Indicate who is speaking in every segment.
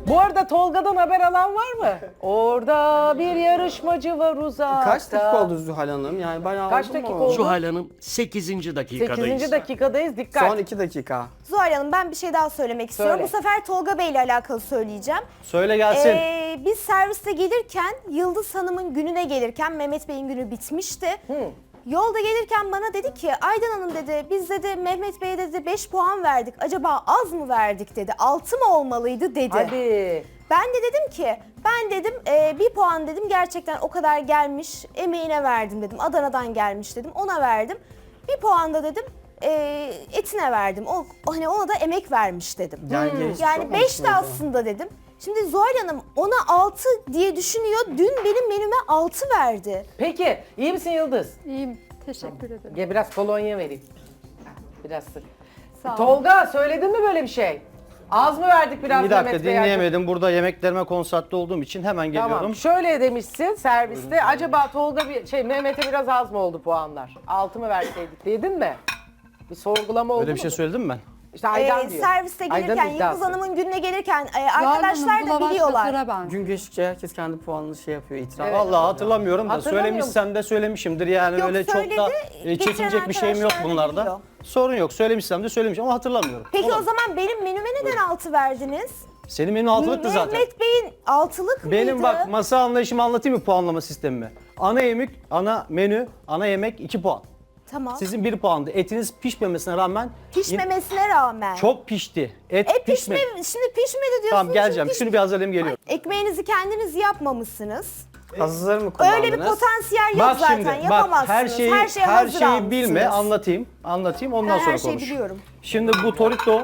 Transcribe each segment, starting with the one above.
Speaker 1: Bu arada Tolga'dan haber alan var mı? Orada bir yarışmacı var uzakta.
Speaker 2: Kaç dakika oldu Zuhal Hanım? Yani bayağı
Speaker 1: Kaç
Speaker 2: oldu
Speaker 1: dakika
Speaker 2: mu?
Speaker 1: oldu?
Speaker 3: Zuhal Hanım 8. dakikadayız.
Speaker 1: 8. dakikadayız, dikkat.
Speaker 2: Son 2 dakika.
Speaker 4: Zuhal Hanım ben bir şey daha söylemek istiyorum.
Speaker 1: Söyle.
Speaker 4: Bu sefer Tolga Bey ile alakalı söyleyeceğim.
Speaker 2: Söyle gelsin.
Speaker 4: Biz serviste gelirken Yıldız Hanım'ın gününe gelirken Mehmet Bey'in günü bitmişti. Yolda gelirken bana dedi ki Aydan Hanım dedi biz dedi Mehmet Bey'e dedi 5 puan verdik. Acaba az mı verdik dedi. 6 mı olmalıydı dedi.
Speaker 1: Hadi.
Speaker 4: Ben de dedim ki ben dedim 1 puan dedim gerçekten o kadar gelmiş emeğine verdim dedim. Adana'dan gelmiş dedim ona verdim. 1 puan da dedim etine verdim. O hani ona da emek vermiş dedim. Yani 5 de aslında dedim. Şimdi Zuhal Hanım ona 6 diye düşünüyor. Dün benim menüme 6 verdi.
Speaker 1: Peki, iyi misin Yıldız?
Speaker 5: İyiyim. Teşekkür ederim.
Speaker 1: Gel biraz kolonya vereyim. Biraz sık.
Speaker 5: Sağ olun.
Speaker 1: Tolga söyledin mi böyle bir şey? Az mı verdik biraz
Speaker 6: Bir dakika
Speaker 1: Mehmet Bey'e?
Speaker 6: dinleyemedim. Burada yemeklerime konsantre olduğum için hemen geliyorum.
Speaker 1: Tamam. Şöyle demişsin serviste. Acaba Tolga Mehmet'e biraz az mı oldu puanlar? 6 mı verseydik dedin mi? Bir sorgulama oldu
Speaker 6: Öyle
Speaker 1: mu?
Speaker 6: bir şey söyledim mi ben?
Speaker 1: İşte Aydan diyor.
Speaker 4: Serviste gelirken
Speaker 1: Aydan'ın
Speaker 4: Yıldız
Speaker 1: iddiası.
Speaker 4: Hanım'ın gününe gelirken
Speaker 5: Zuhal
Speaker 4: arkadaşlar
Speaker 5: Hanım, bu
Speaker 4: da
Speaker 5: lavaş
Speaker 4: biliyorlar.
Speaker 5: hazıra ben.
Speaker 2: Gün geçtikçe herkes kendi puanını şey yapıyor, itiraf.
Speaker 1: Evet.
Speaker 6: Vallahi hatırlamıyorum da
Speaker 1: Hatırlamıyor
Speaker 6: söylemişsem de söylemişimdir. Yani
Speaker 4: Yok,
Speaker 6: öyle çok
Speaker 4: söyledi.
Speaker 6: da
Speaker 4: Getiren
Speaker 6: çekinecek bir şeyim yok
Speaker 4: arkadaşlar da
Speaker 6: bunlarda.
Speaker 4: biliyor.
Speaker 6: Sorun yok. Söylemişsem de söylemişim ama hatırlamıyorum.
Speaker 4: Peki
Speaker 6: Olabilir.
Speaker 4: o zaman benim menüme neden 6 verdiniz?
Speaker 6: Senin benim altılıktı zaten.
Speaker 4: Mehmet Bey'in 6'lık mıydı?
Speaker 6: Benim bak masa anlayışımı anlatayım mı puanlama sistemimi? Ana yemek, ana menü, ana yemek 2 puan.
Speaker 4: Tamam.
Speaker 6: Sizin 1 puandı. Etiniz pişmemesine rağmen
Speaker 4: Pişmemesine rağmen.
Speaker 6: çok pişti. Et
Speaker 4: Şimdi pişmedi diyorsunuz.
Speaker 6: Tamam geleceğim.
Speaker 4: çünkü
Speaker 6: Şunu bir hazırlayayım geliyorum.
Speaker 4: Ekmeğinizi kendiniz yapmamışsınız.
Speaker 2: Hazır mı kullandınız?
Speaker 4: Öyle bir potansiyel yok
Speaker 6: Bak
Speaker 4: zaten.
Speaker 6: şimdi bak
Speaker 4: Yapamazsınız.
Speaker 6: her şeyi
Speaker 4: hazır
Speaker 6: bilme
Speaker 4: almışsınız.
Speaker 6: anlatayım ondan
Speaker 4: Ben
Speaker 6: sonra
Speaker 4: her şeyi
Speaker 6: konuş.
Speaker 4: biliyorum.
Speaker 6: Şimdi bu Torito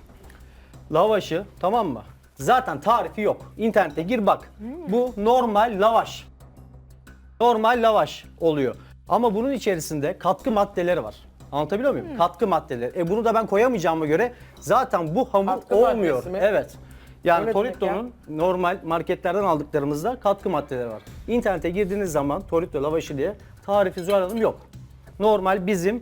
Speaker 6: lavaşı tamam mı? Zaten tarifi yok. İnternete gir bak. Bu normal lavaş. Normal lavaş oluyor. Ama bunun içerisinde katkı maddeleri var. Anlatabiliyor muyum? Katkı maddeleri. Bunu da ben koyamayacağıma göre zaten bu hamur
Speaker 1: Katkı
Speaker 6: olmuyor.
Speaker 1: maddesi mi?
Speaker 6: Evet.
Speaker 1: O
Speaker 6: Yani
Speaker 1: ne demek
Speaker 6: Torito'nun normal marketlerden aldıklarımızda katkı maddeleri var. İnternete girdiğiniz zaman Torito lavaşı diye tarifi Zuhal Hanım yok. Normal bizim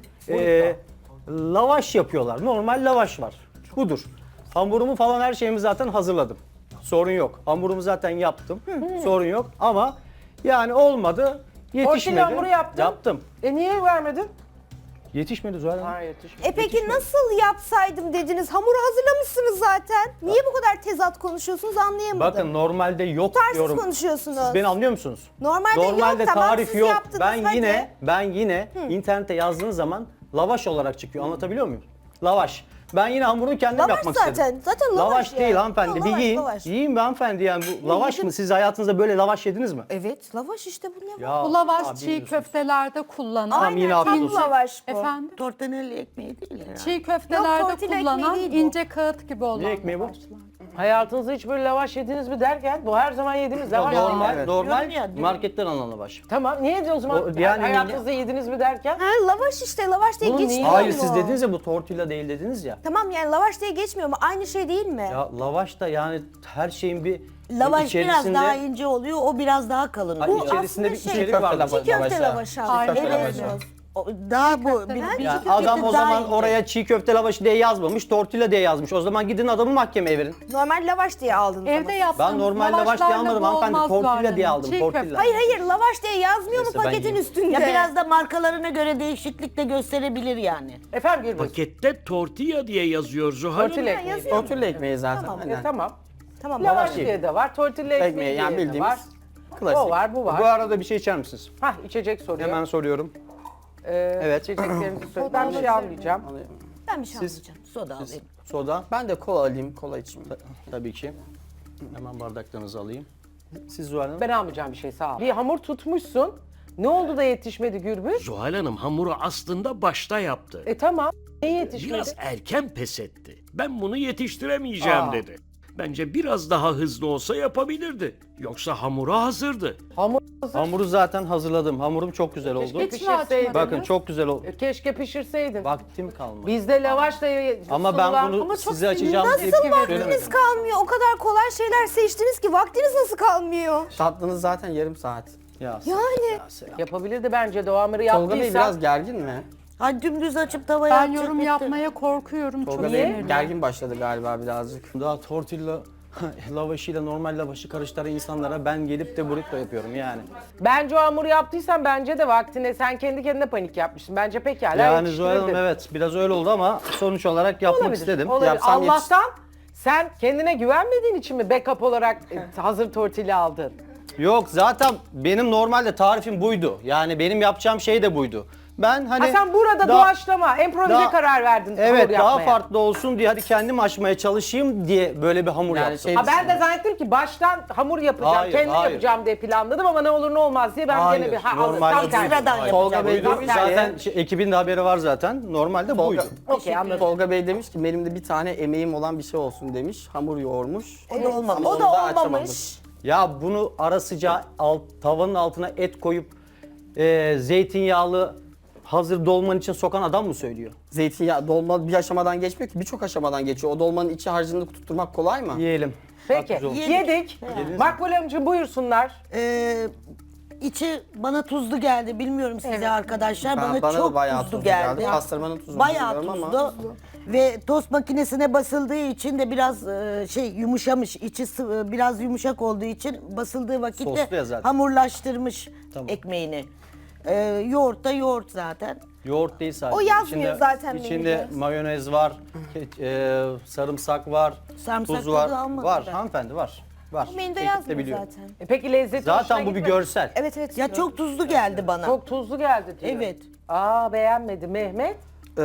Speaker 6: lavaş yapıyorlar. Normal lavaş var. Budur. Hamurumu falan her şeyimi zaten hazırladım. Sorun yok. Hamurumu zaten yaptım. Sorun yok ama yani olmadı. Yetişmedi.
Speaker 1: hamuru yaptın.
Speaker 6: Yaptım.
Speaker 1: Niye vermedin?
Speaker 6: Yetişmedi Zuhal Hanım.
Speaker 1: Hayır yetişmedi.
Speaker 4: Peki nasıl yapsaydım dediniz? Hamuru hazırlamışsınız zaten. Niye bu kadar tezat konuşuyorsunuz anlayamadım.
Speaker 6: Bakın normalde yok
Speaker 4: Tutarsız
Speaker 6: diyorum.
Speaker 4: konuşuyorsunuz.
Speaker 6: Siz beni anlıyor musunuz?
Speaker 4: Normalde yok, tamam,
Speaker 6: tarif
Speaker 4: siz
Speaker 6: yok.
Speaker 4: yaptınız,
Speaker 6: Ben
Speaker 4: hadi.
Speaker 6: yine internete yazdığınız zaman lavaş olarak çıkıyor. Anlatabiliyor muyum? Lavaş. Ben yine hamurunu kendim
Speaker 4: Lavaş
Speaker 6: yapmak
Speaker 4: zaten.
Speaker 6: istedim.
Speaker 4: Zaten lavaş yani.
Speaker 6: değil hanımefendi.
Speaker 4: Yok,
Speaker 6: bir
Speaker 4: lavaş,
Speaker 6: yiyin.
Speaker 4: lavaş.
Speaker 6: Yiyin be hanımefendi yani bu lavaş
Speaker 4: yedim.
Speaker 6: mı? Siz hayatınızda böyle lavaş yediniz mi?
Speaker 4: Evet lavaş işte bu ne?
Speaker 6: Ya,
Speaker 5: Bu lavaş
Speaker 6: abi
Speaker 5: çiğ
Speaker 6: biliyorsunuz.
Speaker 5: köftelerde kullanılan.
Speaker 6: Tamam, yine
Speaker 4: Aynen,
Speaker 6: afiyet
Speaker 4: tam
Speaker 6: olsun.
Speaker 4: lavaş bu.
Speaker 5: Efendim?
Speaker 7: Tortanelli ekmeği değil herhalde.
Speaker 5: Çiğ
Speaker 4: Yok,
Speaker 5: köftelerde
Speaker 4: tortilla
Speaker 5: kullanılan
Speaker 4: ekmeği değil bu.
Speaker 5: ince kağıt gibi olan
Speaker 6: ekmeği bu?
Speaker 5: lavaşlar.
Speaker 1: Hayatınızda hiç böyle lavaş yediniz mi derken bu her zaman yediğimiz lavaş.
Speaker 6: Normal,
Speaker 2: Evet.
Speaker 6: normal
Speaker 7: Diyorum ya,
Speaker 6: marketten alınan lavaş.
Speaker 1: Tamam niye o zaman
Speaker 6: yani
Speaker 1: hayatınızda yediniz mi derken?
Speaker 4: Ha, lavaş işte lavaş diye
Speaker 1: Bunun
Speaker 4: geçmiyor
Speaker 1: niye-
Speaker 6: Hayır
Speaker 4: mu?
Speaker 6: siz dediniz ya bu tortilla değil dediniz ya.
Speaker 4: Tamam yani lavaş diye geçmiyor mu? Aynı şey değil mi?
Speaker 6: Ya lavaş da yani her şeyin bir
Speaker 7: Lavaş biraz
Speaker 6: içerisinde...
Speaker 7: daha ince oluyor, o biraz daha kalın
Speaker 6: Hayır,
Speaker 7: oluyor.
Speaker 6: içerisinde bir
Speaker 4: aslında
Speaker 6: içerik
Speaker 2: köfte
Speaker 6: var.
Speaker 2: lavaşı.
Speaker 4: Çiğ köfte
Speaker 2: lavaşa.
Speaker 4: lavaşı.
Speaker 5: Aynen
Speaker 4: Evet.
Speaker 5: öyle.
Speaker 7: Daha bu bir
Speaker 6: Yani
Speaker 7: çiğ
Speaker 6: adam
Speaker 7: köfte
Speaker 6: o
Speaker 7: daha
Speaker 6: zaman
Speaker 7: ince.
Speaker 6: oraya çiğ köfte lavaşı diye yazmamış, tortilla diye yazmış. O zaman gidin adamı mahkemeye verin.
Speaker 4: Normal lavaş diye aldınız
Speaker 5: Evde
Speaker 4: ama.
Speaker 5: yaptığımız
Speaker 6: Ben normal lavaş diye
Speaker 5: lavaşlarla
Speaker 6: almadım
Speaker 5: bu
Speaker 6: hanımefendi,
Speaker 5: olmaz
Speaker 6: tortilla
Speaker 5: Zuhal
Speaker 6: diye
Speaker 5: Hanım.
Speaker 6: aldım,
Speaker 5: Çiğ
Speaker 6: tortilla.
Speaker 5: köfte.
Speaker 4: Hayır lavaş diye yazmıyor
Speaker 6: Neyse,
Speaker 4: mu
Speaker 6: ben
Speaker 4: paketin
Speaker 6: yiyeyim.
Speaker 4: üstünde?
Speaker 7: Ya biraz da markalarına göre değişiklik de gösterebilir yani.
Speaker 1: Efendim Gürbüz.
Speaker 3: Pakette tortilla diye yazıyor Zuhal Hanım.
Speaker 1: Tortilla ekmeği.
Speaker 4: yazıyor.
Speaker 2: Tortilla ekmeği zaten.
Speaker 4: Tamam,
Speaker 2: aynen.
Speaker 1: Tamam.
Speaker 4: Tamam
Speaker 1: Lavaş
Speaker 4: lavaş.
Speaker 1: diye de var, tortilla ekmeği
Speaker 2: Ekmeği
Speaker 1: diye
Speaker 2: yani
Speaker 1: de
Speaker 2: bildiğimiz
Speaker 1: var.
Speaker 2: klasik.
Speaker 1: O var, bu var.
Speaker 6: Bu arada bir şey içer misiniz?
Speaker 1: Hah içecek soruyor.
Speaker 6: Hemen soruyorum.
Speaker 1: Evet. İçeceklerinizi söyle. Ben bir şey almayacağım.
Speaker 4: Ben bir şey
Speaker 6: Siz-
Speaker 4: almayacağım.
Speaker 7: Soda alayım.
Speaker 6: Soda
Speaker 2: Ben de kola alayım, kola içeyim.
Speaker 6: tabii ki. Hemen bardaklarınızı alayım. Siz Zuhal Hanım?
Speaker 1: Ben almayacağım bir şey sağ ol. Bir hamur tutmuşsun. Ne oldu da yetişmedi Gürbüz?
Speaker 3: Zuhal Hanım hamuru aslında başta yaptı.
Speaker 1: Tamam. Niye yetişmedi?
Speaker 3: Biraz erken pes etti. Ben bunu yetiştiremeyeceğim dedi. Bence biraz daha hızlı olsa yapabilirdi. Yoksa hamuru hazırdı.
Speaker 1: Hamur hazır.
Speaker 6: Hamuru zaten hazırladım. Hamurum çok güzel oldu.
Speaker 1: Keşke
Speaker 5: Hiç mi
Speaker 1: pişirseydin.
Speaker 5: açmadın?
Speaker 6: Bakın çok güzel oldu.
Speaker 1: Keşke pişirseydin.
Speaker 6: Vaktim kalmadı.
Speaker 1: Bizde lavaşla
Speaker 6: Ama ben
Speaker 1: sunulan-
Speaker 6: bunu
Speaker 1: Ama çok
Speaker 6: size açacağım diye
Speaker 4: Nasıl
Speaker 6: söylemedim.
Speaker 4: vaktiniz kalmıyor? O kadar kolay şeyler seçtiniz ki vaktiniz nasıl kalmıyor?
Speaker 2: Tatlınız zaten yarım saat.
Speaker 6: Ya,
Speaker 4: Yani.
Speaker 6: ya selam.
Speaker 1: Yapabilirdi bence de o hamuru
Speaker 2: Tolga Bey
Speaker 1: yaptıysa.
Speaker 2: biraz gergin mi?
Speaker 7: Hani dümdüz açıp tavaya
Speaker 5: Ben
Speaker 7: atacak
Speaker 5: yorum
Speaker 7: bitti.
Speaker 5: yapmaya korkuyorum.
Speaker 2: Tolga
Speaker 5: Çok
Speaker 2: Bey
Speaker 5: sinirli.
Speaker 2: gergin başladı galiba birazcık.
Speaker 6: Daha tortilla lavaşıyla normal lavaşı karıştıran insanlara ben gelip de burrito yapıyorum yani.
Speaker 1: Bence o hamuru yaptıysan bence de vaktine sen kendi kendine panik yapmışsın. Bence pekala
Speaker 6: Yani Zuhal Hanım
Speaker 1: yetiştirirdin.
Speaker 6: evet biraz öyle oldu ama sonuç olarak yapmak
Speaker 1: Olabilir,
Speaker 6: istedim.
Speaker 1: olabilir.
Speaker 2: Yapsam
Speaker 1: Allah'tan sen kendine güvenmediğin için mi backup olarak hazır tortilla aldın?
Speaker 6: Yok zaten benim normalde tarifim buydu. Yani benim yapacağım şey de buydu. Ben hani
Speaker 1: Ha sen burada
Speaker 6: daha-
Speaker 1: doğaçlama, improvize
Speaker 6: daha-
Speaker 1: karar verdin
Speaker 6: Evet
Speaker 1: hamur
Speaker 6: daha
Speaker 1: yapmaya.
Speaker 6: farklı olsun diye hadi kendim açmaya çalışayım diye böyle bir hamur
Speaker 2: Yani
Speaker 6: yaptım.
Speaker 2: şey-
Speaker 1: Ha ben de zannettim ki baştan hamur yapacağım,
Speaker 6: Hayır,
Speaker 1: kendim
Speaker 6: hayır.
Speaker 1: yapacağım diye planladım ama ne olur ne olmaz diye ben
Speaker 6: Hayır,
Speaker 1: gene bir
Speaker 6: normalde
Speaker 1: tam
Speaker 6: buydu.
Speaker 1: tersi.
Speaker 7: Sıradan
Speaker 6: Hayır.
Speaker 2: Tolga Bey
Speaker 7: yapacağım.
Speaker 2: demiş ki,
Speaker 6: Zaten ekibin de haberi var zaten. Normalde buydu.
Speaker 1: Okey anladım.
Speaker 2: Tolga Bey demiş ki benim de bir tane emeğim olan bir şey olsun demiş. Hamur yoğurmuş.
Speaker 7: O da olmamış.
Speaker 2: Ama
Speaker 4: O
Speaker 2: onu
Speaker 4: da
Speaker 2: açamadım.
Speaker 4: olmamış.
Speaker 6: Ya bunu ara sıcağı tavanın altına et koyup zeytinyağlı hazır dolman için sokan adam mı söylüyor?
Speaker 2: Zeytinyağı dolma bir aşamadan geçmiyor ki birçok aşamadan geçiyor. O dolmanın içi harcını tutturmak kolay mı?
Speaker 6: Yiyelim.
Speaker 1: Peki
Speaker 6: Haklısın.
Speaker 1: yedik. Makbule Hanımcığım buyursunlar.
Speaker 7: İçi bana tuzlu geldi. Bilmiyorum size arkadaşlar. Bana
Speaker 2: da
Speaker 7: çok
Speaker 2: bayağı
Speaker 7: tuzlu geldi.
Speaker 2: Pastırmanın tuzunu
Speaker 7: Bayağı
Speaker 2: bilmiyorum
Speaker 7: tuzlu. Ve tost makinesine basıldığı için de biraz yumuşamış. İçi biraz yumuşak olduğu için basıldığı vakitte
Speaker 6: Soslu ya zaten.
Speaker 7: hamurlaştırmış
Speaker 6: Tamam.
Speaker 7: ekmeğini. Yoğurt da yoğurt zaten.
Speaker 6: Yoğurt değil sadece.
Speaker 4: O yazmıyor zaten
Speaker 6: İçinde
Speaker 4: menüde.
Speaker 6: mayonez var, sarımsak var,
Speaker 7: Sarımsak
Speaker 6: tuz var.
Speaker 7: tadı almadım
Speaker 6: Var
Speaker 7: ben.
Speaker 6: hanımefendi var. Var.
Speaker 4: O menüde
Speaker 6: Ekip de
Speaker 4: yazmıyor
Speaker 6: biliyor.
Speaker 4: zaten.
Speaker 1: Peki lezzeti hoşuna
Speaker 6: Zaten bu bir
Speaker 1: gitmedi?
Speaker 6: görsel.
Speaker 4: Evet evet.
Speaker 7: Ya çok tuzlu geldi bana.
Speaker 1: Çok tuzlu geldi diyor.
Speaker 7: Evet.
Speaker 1: Aa beğenmedi. Mehmet?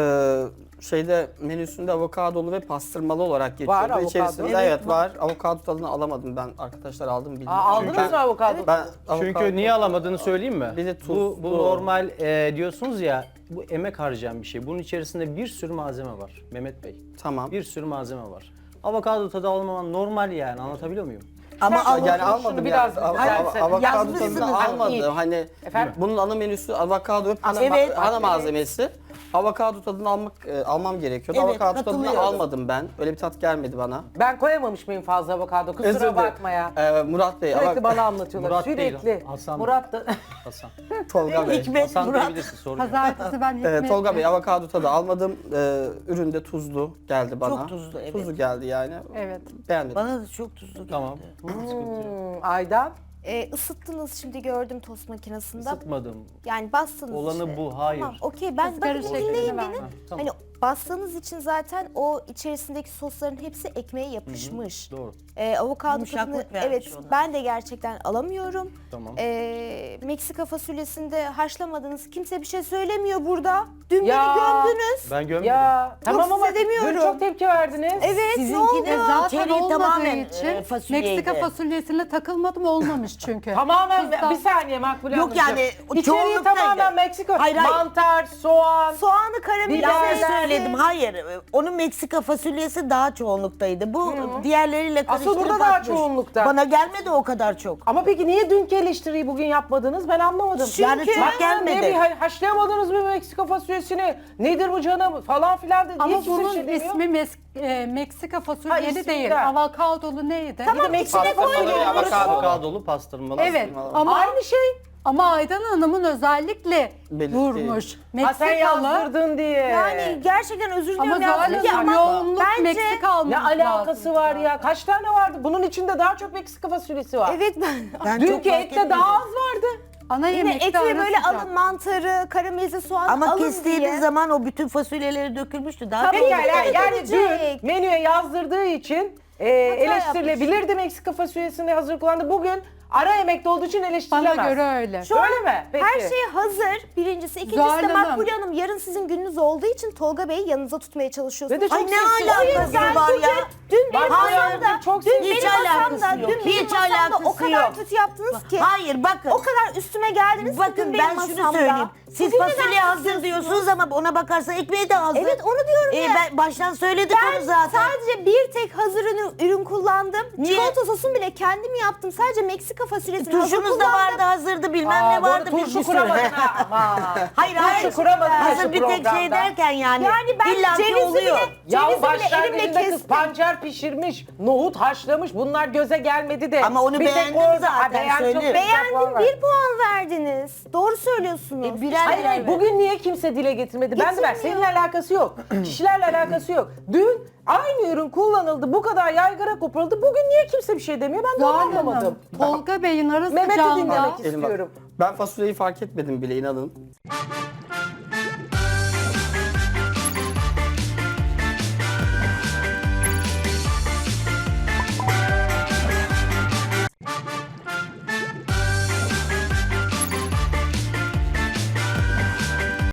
Speaker 2: Şeyde menüsünde avokadolu ve pastırmalı olarak geçiyor.
Speaker 1: Var avokado.
Speaker 2: İçerisinde
Speaker 7: Evet,
Speaker 2: evet var. Avokado tadını alamadım ben. Arkadaşlar aldım bildim.
Speaker 1: Aldınız mı avokado?
Speaker 2: Ben
Speaker 6: Çünkü niye alamadığını söyleyeyim mi?
Speaker 2: Bir de tuz,
Speaker 6: bu
Speaker 2: bu.
Speaker 6: normal diyorsunuz ya, bu emek harcayan bir şey. Bunun içerisinde bir sürü malzeme var Mehmet Bey.
Speaker 2: Tamam.
Speaker 6: Bir sürü malzeme var. Avokado tadı almaman normal yani, anlatabiliyor muyum?
Speaker 7: Ama
Speaker 1: Sen-
Speaker 2: Yani
Speaker 1: Şunu
Speaker 2: almadım
Speaker 1: biraz
Speaker 2: yani.
Speaker 1: düzeltsene.
Speaker 2: Avokado
Speaker 7: Yazmışsınız.
Speaker 2: tadını
Speaker 1: İyi.
Speaker 2: almadım. Hani
Speaker 1: Efendim?
Speaker 2: bunun ana menüsü avokado ve
Speaker 7: Evet.
Speaker 2: ana malzemesi. Avokado tadını almam gerekiyordu.
Speaker 7: Evet,
Speaker 2: Avokado tadını
Speaker 7: katılıyorum.
Speaker 2: almadım ben. Öyle bir tat gelmedi bana.
Speaker 1: Ben koyamamış mıyım fazla avokado?
Speaker 2: Özür
Speaker 1: Kusura
Speaker 2: dilerim.
Speaker 1: bakma ya.
Speaker 2: Murat Bey,
Speaker 1: Sürekli bana anlatıyorlar.
Speaker 6: Murat değil,
Speaker 1: Sürekli.
Speaker 6: Hasan.
Speaker 1: Murat da...
Speaker 6: Hasan.
Speaker 2: Tolga Bey.
Speaker 7: Hikmet
Speaker 6: Hasan
Speaker 7: Murat.
Speaker 6: diyebilirsin, sorun yok.
Speaker 5: Pazartesi ben Hikmet
Speaker 2: Tolga Bey, avokado tadı almadım. Ürün de tuzlu geldi bana.
Speaker 7: Çok tuzlu, evet.
Speaker 2: Tuzlu geldi yani.
Speaker 5: Evet.
Speaker 2: Beğenmedim.
Speaker 7: Bana da çok tuzlu geldi.
Speaker 6: Tamam. Sıkıntı yok.
Speaker 1: Aydan?
Speaker 4: Isıttınız şimdi gördüm tost makinesinde.
Speaker 6: Isıtmadım.
Speaker 4: Yani bastınız
Speaker 6: Olanı
Speaker 4: işte.
Speaker 6: bu, hayır.
Speaker 4: Tamam okey ben
Speaker 5: Izgara
Speaker 4: bakın
Speaker 5: şeklinde
Speaker 4: dinleyin
Speaker 5: ver.
Speaker 4: beni.
Speaker 6: Ha, tamam.
Speaker 4: Hani bastığınız için zaten o içerisindeki sosların hepsi ekmeğe yapışmış.
Speaker 6: Doğru.
Speaker 4: Avokado
Speaker 7: Yumuşaklık
Speaker 4: tadını
Speaker 7: vermiş
Speaker 4: evet
Speaker 7: ona.
Speaker 4: ben de gerçekten alamıyorum.
Speaker 6: Tamam.
Speaker 4: Meksika fasulyesinde haşlamadınız. Kimse bir şey söylemiyor burada. Dün
Speaker 1: Ya.
Speaker 4: beni gömdünüz.
Speaker 6: Ben gömmedim.
Speaker 1: Ya tamam ama
Speaker 4: size demiyorum.
Speaker 1: dün çok tepki verdiniz.
Speaker 4: Evet ne
Speaker 7: Sizinki
Speaker 4: oldu?
Speaker 7: de
Speaker 5: Zaten
Speaker 7: içeriği
Speaker 5: olmadığı
Speaker 7: tamamen
Speaker 5: için
Speaker 7: fasulyeydi.
Speaker 5: Meksika fasulyesine takılmadım, olmamış çünkü.
Speaker 1: Tamamen
Speaker 5: Tuzdan-
Speaker 1: bir saniye Makbule
Speaker 7: Yok
Speaker 1: Hanımcığım.
Speaker 7: yani, o
Speaker 1: İçeriği
Speaker 7: çoğunluktaydı.
Speaker 1: tamamen Meksika.
Speaker 7: Hayır, hayır.
Speaker 1: Mantar, soğan.
Speaker 4: Soğanı karamelize
Speaker 1: Biber
Speaker 7: Ben
Speaker 4: etsin.
Speaker 7: söyledim hayır. Onun Meksika fasulyesi daha çoğunluktaydı. Bu diğerleriyle
Speaker 1: Asıl
Speaker 7: karıştırıp
Speaker 1: burada daha
Speaker 7: atmış.
Speaker 1: çoğunlukta.
Speaker 7: Bana gelmedi o kadar çok.
Speaker 1: Ama peki niye dünkü eleştiriyi bugün yapmadınız? Ben anlamadım.
Speaker 7: Yani çok
Speaker 1: Bak,
Speaker 7: gelmedi.
Speaker 1: Ne bir haşlayamadınız mı Meksika fasulyesini? Nedir bu canım falan filan dedi.
Speaker 5: Ama
Speaker 1: Hiç kimse bir
Speaker 5: bunun
Speaker 1: şey demiyor.
Speaker 5: ismi Meksika
Speaker 1: Ha,
Speaker 5: fasulyeli
Speaker 1: ismi
Speaker 5: değil.
Speaker 1: de.
Speaker 5: Avokadolu neydi?
Speaker 1: Bir de Meksika
Speaker 2: Pastırmalı
Speaker 1: fasulyesi.
Speaker 2: ve avokado.
Speaker 6: Avokadolu pastırmalı.
Speaker 5: Evet ama
Speaker 1: Aynı şey.
Speaker 5: Aydan Hanım'ın özellikle
Speaker 2: Belirtti.
Speaker 5: vurmuş.
Speaker 1: Ha
Speaker 5: Meksikalı.
Speaker 1: sen yazdırdın diye.
Speaker 4: Yani gerçekten özür
Speaker 5: Ama
Speaker 4: diliyorum
Speaker 5: Zuhal
Speaker 4: yazdım ki
Speaker 5: Hanım
Speaker 4: ama
Speaker 5: yoğunluk
Speaker 4: bence
Speaker 5: Meksika almamız
Speaker 1: Ne alakası
Speaker 5: lazım.
Speaker 1: var ya? Kaç tane vardı? Bunun içinde daha çok Meksika fasulyesi var.
Speaker 4: evet
Speaker 7: Ben çok
Speaker 1: Dünkü
Speaker 7: fark
Speaker 1: ette
Speaker 7: etmedim.
Speaker 1: daha az vardı.
Speaker 5: Ana
Speaker 4: yine
Speaker 5: yemekte
Speaker 4: eti
Speaker 5: ara
Speaker 4: böyle
Speaker 5: sıcak.
Speaker 4: alın mantarı, karamelize soğan
Speaker 7: Ama
Speaker 4: alın
Speaker 7: kestiğiniz
Speaker 4: diye.
Speaker 7: zaman o bütün fasulyeleri dökülmüştü. Daha
Speaker 4: Tabii
Speaker 7: çok-
Speaker 4: yani,
Speaker 1: Yani
Speaker 4: dökülecek.
Speaker 1: dün menüye yazdırdığı için eleştirilebilirdi Meksika fasulyesini hazır kullandı. Bugün ara yemekte olduğu için eleştirilemez.
Speaker 5: Bana göre öyle.
Speaker 1: Öyle mi? Peki.
Speaker 4: Her şey hazır. Birincisi. İkincisi
Speaker 5: Zuhal
Speaker 4: de
Speaker 5: Hanım.
Speaker 4: Makbule Hanım yarın sizin gününüz olduğu için Tolga Bey'i yanınıza tutmaya çalışıyorsunuz.
Speaker 1: Ve de çok
Speaker 7: Ay ne
Speaker 1: sessiz.
Speaker 7: alakası var ya?
Speaker 4: Dün benim
Speaker 1: Hayır,
Speaker 4: masamda,
Speaker 1: çok
Speaker 4: dün
Speaker 1: hiç
Speaker 4: benim
Speaker 7: alakası
Speaker 4: masamda,
Speaker 7: yok.
Speaker 4: dün benim
Speaker 7: Hiç
Speaker 4: masamda o
Speaker 7: alakası
Speaker 4: kadar
Speaker 7: yok.
Speaker 4: kötü yaptınız ki.
Speaker 7: Hayır bakın.
Speaker 4: O kadar üstüme geldiniz ki
Speaker 7: Bakın
Speaker 4: dün benim
Speaker 7: ben şunu
Speaker 4: masamda.
Speaker 7: söyleyeyim. Siz
Speaker 4: Bugün neden
Speaker 7: fasulye hazır
Speaker 4: kızıyorsunuz?
Speaker 7: diyorsunuz ama ona bakarsan ekmeği de hazır.
Speaker 4: Evet onu diyorum ya.
Speaker 7: Ben baştan söyledik
Speaker 4: Ben
Speaker 7: onu zaten.
Speaker 4: sadece bir tek hazır ürün kullandım.
Speaker 7: Niye?
Speaker 4: Çikolata sosunu bile kendim yaptım. Sadece Meksika fasulyesini hazır
Speaker 7: Turşunuz da
Speaker 4: kullandım.
Speaker 7: vardı hazırdı bilmem
Speaker 1: Aa,
Speaker 7: ne
Speaker 1: bu arada
Speaker 7: vardı. bir
Speaker 1: turşu
Speaker 7: sürü.
Speaker 1: kuramadın ha. Aman.
Speaker 7: Hayır hayır.
Speaker 1: Turşu kuramadın ha
Speaker 7: Hazır
Speaker 1: şu
Speaker 7: bir tek şey
Speaker 1: programda.
Speaker 7: derken yani.
Speaker 4: Yani ben
Speaker 7: illa ki
Speaker 4: cevizi
Speaker 7: oluyor.
Speaker 4: bile,
Speaker 1: Ya
Speaker 4: cevizi bile
Speaker 1: başlangıcında
Speaker 4: elimle
Speaker 1: kız
Speaker 4: kestim.
Speaker 1: pancar pişirmiş, nohut haşlamış. Bunlar göze gelmedi de.
Speaker 7: Ama onu
Speaker 1: Bir tek
Speaker 7: beğendim
Speaker 1: orada-
Speaker 7: zaten,
Speaker 1: Ha, beğen- çok
Speaker 7: söylüyorum.
Speaker 1: güzel puan
Speaker 4: Beğendim
Speaker 1: ver.
Speaker 4: 1 puan verdiniz. Doğru söylüyorsunuz.
Speaker 7: Birer
Speaker 1: Hayır
Speaker 7: birer
Speaker 1: hayır bugün niye kimse dile getirmedi? Ben de ver.
Speaker 4: Getirmiyor.
Speaker 1: Seninle alakası yok. Kişilerle alakası yok. Dün Aynı ürün kullanıldı, bu kadar yaygara koparıldı. Bugün niye kimse bir şey demiyor? Ben de onu
Speaker 5: Zuhal
Speaker 1: anlamadım.
Speaker 5: Hanım, Tolga Bey'in arası
Speaker 1: Mehmet'i
Speaker 5: canlı.
Speaker 1: dinlemek
Speaker 2: Gelin bak.
Speaker 1: istiyorum.
Speaker 2: Ben fasulyeyi fark etmedim bile, inanın.